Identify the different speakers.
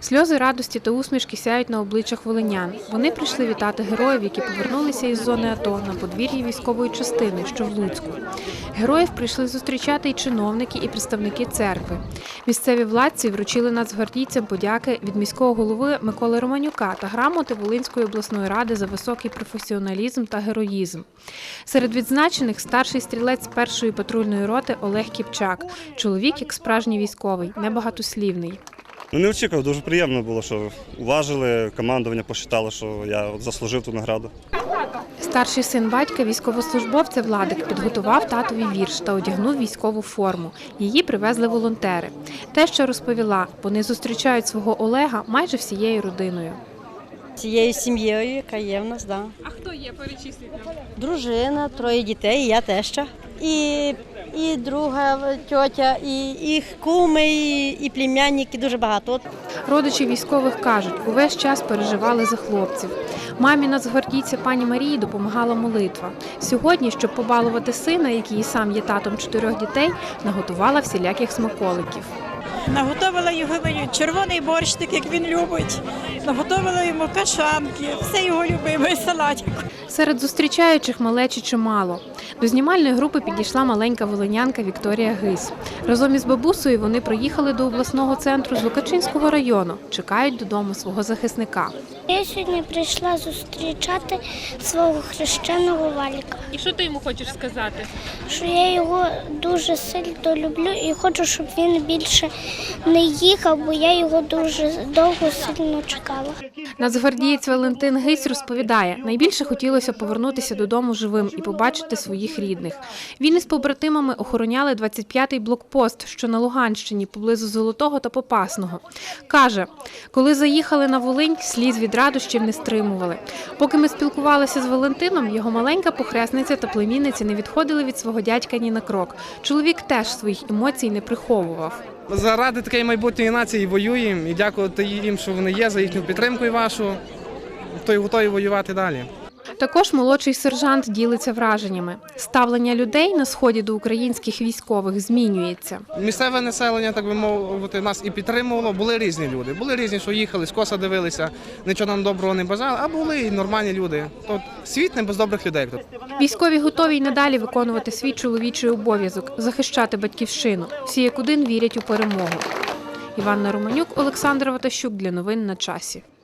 Speaker 1: Сльози радості та усмішки сяють на обличчях волинян. Вони прийшли вітати героїв, які повернулися із зони АТО на подвір'ї військової частини, що в Луцьку. Героїв прийшли зустрічати і чиновники, і представники церкви. Місцеві владці вручили нацгвардійцям подяки від міського голови Миколи Романюка та грамоти Волинської обласної ради за високий професіоналізм та героїзм. Серед відзначених старший стрілець першої патрульної роти Олег Кіпчак. Чоловік, як справжній військовий, небагатослівний.
Speaker 2: Не очікував, дуже приємно було, що уважили, командування посчитало, що я заслужив ту награду.
Speaker 1: Старший син батька, військовослужбовця Владик, підготував татові вірш та одягнув військову форму. Її привезли волонтери. Те, що розповіла, вони зустрічають свого Олега майже всією родиною.
Speaker 3: Цією сім'єю, яка є в нас, так.
Speaker 4: А хто є, перечисліть нам?
Speaker 3: Дружина, 3 дітей, і я теща. І друга тьотя, і їх куми, і племянники, дуже багато.
Speaker 1: Родичі військових кажуть, увесь час переживали за хлопців. Мамі нацгвардійця пані Марії допомагала молитва. Сьогодні, щоб побалувати сина, який і сам є татом 4 дітей, наготувала всіляких смаколиків.
Speaker 5: Наготовила його червоний борщик, як він любить. Наготовила йому кашанки, все його любиме, салатик.
Speaker 1: Серед зустрічаючих малечі чимало. До знімальної групи підійшла маленька волинянка Вікторія Гись. Разом із бабусею вони приїхали до обласного центру з Лукачинського району. Чекають додому свого захисника.
Speaker 6: Я сьогодні прийшла зустрічати свого хрещеного Валіка.
Speaker 4: І що ти йому хочеш сказати?
Speaker 6: Що я його дуже сильно люблю і хочу, щоб він більше не їхав, бо я його дуже довго сильно чекала.
Speaker 1: Нацгвардієць Валентин Гись розповідає, найбільше хотілося повернутися додому живим і побачити своїх рідних. Він із побратимами охороняли 25-й блокпост, що на Луганщині, поблизу Золотого та Попасного. Каже, коли заїхали на Волинь, сліз від радощів не стримували. Поки ми спілкувалися з Валентином, його маленька похресниця та племінниця не відходили від свого дядька ні на крок. Чоловік теж своїх емоцій не приховував.
Speaker 7: Заради такої майбутньої нації воюємо і дякувати їм, що вони є, за їхню підтримку і вашу, то й готові воювати далі.
Speaker 1: Також молодший сержант ділиться враженнями. Ставлення людей на сході до українських військових змінюється.
Speaker 7: Місцеве населення, так би мовити, нас і підтримувало. Були різні люди. Були різні, що їхали, скоса дивилися, нічого нам доброго не бажали, а були і нормальні люди. Тут світ не без добрих людей.
Speaker 1: Військові готові й надалі виконувати свій чоловічий обов'язок – захищати батьківщину. Всі як один вірять у перемогу. Іванна Романюк, Олександр Ватащук. Для новин на часі.